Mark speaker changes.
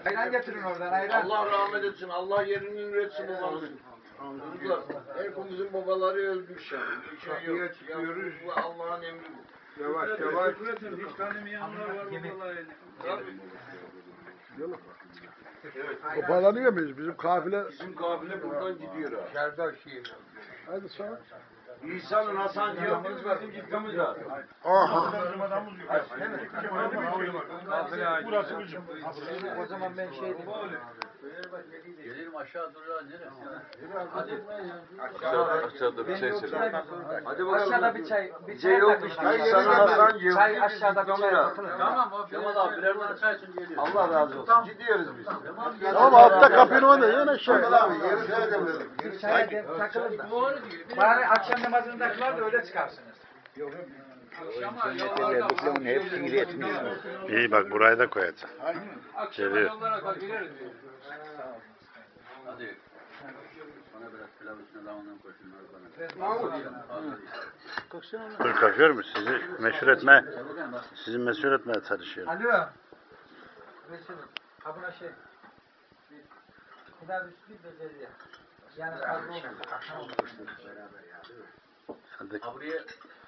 Speaker 1: Ayran getirin oradan ayran.
Speaker 2: Allah rahmet etsin. Allah yerini üretsin babamızın. Çocuklar, hepimizin babaları ölmüş yani. Bir şey yok.
Speaker 3: Çıkıyoruz.
Speaker 2: Bu Allah'ın emri bu.
Speaker 3: Yavaş yavaş.
Speaker 4: Hiç tanımayanlar var babalarını.
Speaker 2: Tabii.
Speaker 3: Toparlanıyor muyuz? Bizim kafile.
Speaker 2: Bizim kafile buradan gidiyor ha.
Speaker 1: Serdar Şiir.
Speaker 3: Hadi sonra.
Speaker 2: İsa'nın Hasan Cihazımız var. Bizim ciddamız var.
Speaker 3: Aha.
Speaker 4: Burası bizim.
Speaker 1: O zaman ben şey diyeyim.
Speaker 5: Gelelim aşağı duracağız nereye?
Speaker 2: Hadi.
Speaker 6: Aşağıda bir çay içelim.
Speaker 2: Hadi bakalım.
Speaker 1: Aşağıda bir çay. Bir
Speaker 2: Şey yok işte. İsa'nın Hasan Cihazı.
Speaker 1: Çay aşağıda bir çay bakılır.
Speaker 5: Tamam o Kemal abi birer tane çay için geliyor.
Speaker 2: Allah razı olsun. Gidiyoruz biz.
Speaker 3: Tamam altta kapının önünde yine şey.
Speaker 2: Abi yeri söyledim.
Speaker 1: Bir çaya takılın da. Bari akşam namazındakiler de öyle çıkarsınız.
Speaker 7: Verdiklerinin hepsini iletmiş.
Speaker 8: İyi bak burayı da koyacağım.
Speaker 4: Akşama yollara da gireriz diyor.
Speaker 5: Hadi. Bana biraz pilav üstüne lavandan koysunlar bana.
Speaker 8: Dur kalkıyorum sizi meşhur etmeye. Sizi meşhur etmeye çalışıyorum.
Speaker 1: Alo. Resul. Ha buna şey. Bir daha bisküvi de dedi. Yani fazla olmaz.
Speaker 8: Hadi.
Speaker 5: Ha buraya